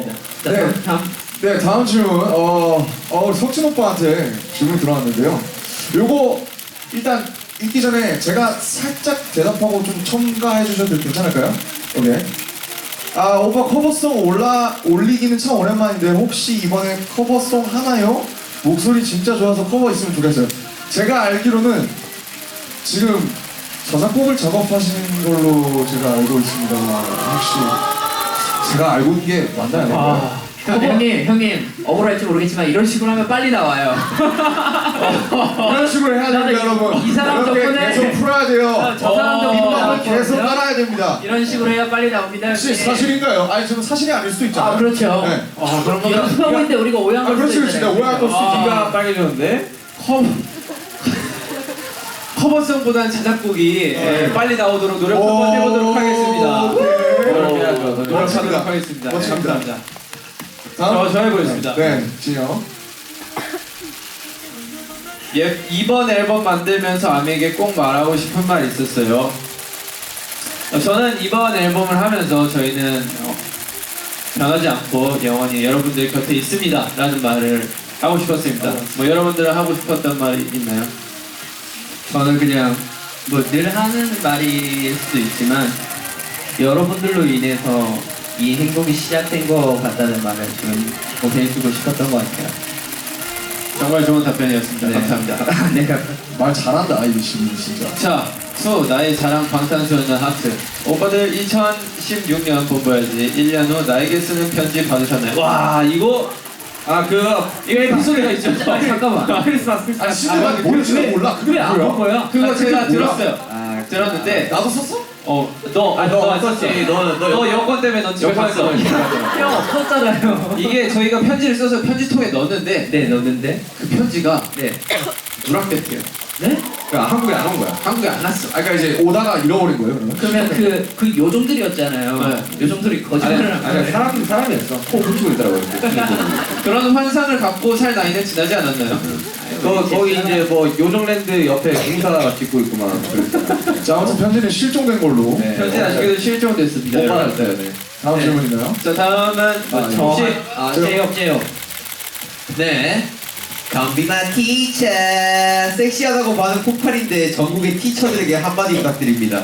좋습니다. 자, 네. 다음. 네, 다음 질문. 우리 석진 오빠한테 질문 들어왔는데요. 요거 일단 읽기 전에 제가 살짝 대답하고 좀 첨가해 주셔도 괜찮을까요? 오케이. 아, 오빠 커버송 올리기는 참 오랜만인데 혹시 이번에 커버송 하나요? 목소리 진짜 좋아서 커버 있으면 좋겠어요. 제가 알기로는 지금 저작곡을 작업하시는 걸로 제가 알고 있습니다. 혹시 제가 알고 있는 게 맞나요? 형님 억울할지 모르겠지만 이런 식으로 하면 빨리 나와요. 이런 식으로 해야 됩니다, 여러분. 이 사람 이렇게 덕분에 계속 풀어야 돼요. 저 사람 덕분에 빈박을 나왔거든요. 계속 깔아야 됩니다. 이런 식으로 해야 빨리 나옵니다. 혹시 네. 사실인가요? 아니, 지금 사실이 아닐 수도 있잖아요. 아, 그렇죠. 네. 그런 거 연습하고 있는데 우리가 오해한 걸 그렇지, 수도 그렇지. 있잖아요. 오해할 걸 수도 있죠. 귀가 빨개졌는데 커버송보다는 자작곡이 빨리 나오도록 노력 한번 해보도록 하겠습니다. 노력해야죠. 노력하도록 하겠습니다. 네, 멋집니다. 감사합니다. 다음. 저 해보겠습니다. 네, 진영. 이번 앨범 만들면서 아미에게 꼭 말하고 싶은 말 있었어요. 저는 이번 앨범을 하면서 저희는 변하지 않고 영원히 여러분들 곁에 있습니다 라는 말을 하고 싶었습니다. 뭐 여러분들은 하고 싶었던 말이 있나요? 저는 그냥 뭐 늘 하는 말일 수도 있지만 여러분들로 인해서 이 행복이 시작된 것 같다는 말을 지금 보내주고 싶었던 것 같아요. 정말 좋은 답변이었습니다. 네. 감사합니다. 네. 말 잘한다, 이 친구 진짜. 자, 나의 자랑 방탄소년단 하트. 오빠들 2016년 본보야지 1년 후 나에게 쓰는 편지 받으셨나요? 와, 이거 이거 에피소드가 있죠. 잠깐만. 크리스마스. 아, 진짜 뭔지도 몰라. 그게 왜안 뭐야? 본 거야? 그거 제가 몰라. 들었어요. 들었는데 나도 썼어? 너 썼지. 너 여권 때문에 넌 집에 갔어. 형 없었잖아요. 이게 저희가 편지를 써서 편지통에 넣었는데 네, 넣는데. 그 편지가 네. 누락됐대요. 네? 그러니까 한국에 안 온 거야. 한국에 안 왔어. 그러니까 이제 오다가 잃어버린 거예요, 그러면? 그러면 그 요정들이었잖아요. 네. 요정들이 거짓말을 한 거예요. 사람이었어. 코 붙이고 있더라고요. 그런 환상을 갖고 살 나이는 지나지 않았나요? 거기 이제 뭐 요정랜드 옆에 공사 짓고 있구만. 자, 아무튼 편지는 실종된 걸로. 네. 편지 아직도 실종됐습니다. 못 여러분. 받았어요. 네. 다음 네. 질문인가요? 자, 다음은 혹시 제이홉. 네. 감비만 티처 섹시하다고 반응 폭발인데 전국의 티처들에게 한마디 부탁드립니다.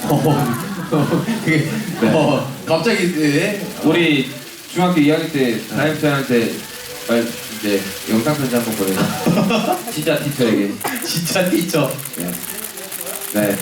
그게 갑자기 우리 중학교 2학년 때 담임선생한테 이제 영상 편지 한번 보내요. 진짜 티처에게. 진짜 티처. 네.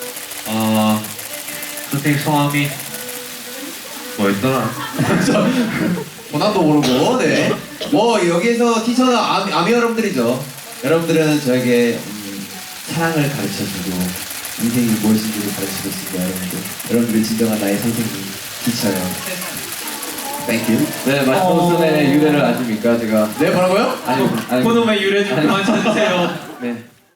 선생님 성함이 뭐였더라? 본함도 모르고, 네. 뭐, 여기에서 티처는 아미 여러분들이죠. 여러분들은 저에게 사랑을 가르쳐주고, 인생이 무엇인지를 가르치고 있습니다, 여러분들. 여러분들이 진정한 나의 선생님, 티처요. Thank you. 네, 마지노선의 유래를 아십니까, 제가? 네, 뭐라고요? 아니, 그놈의 유래 좀 그만 찾으세요. 네.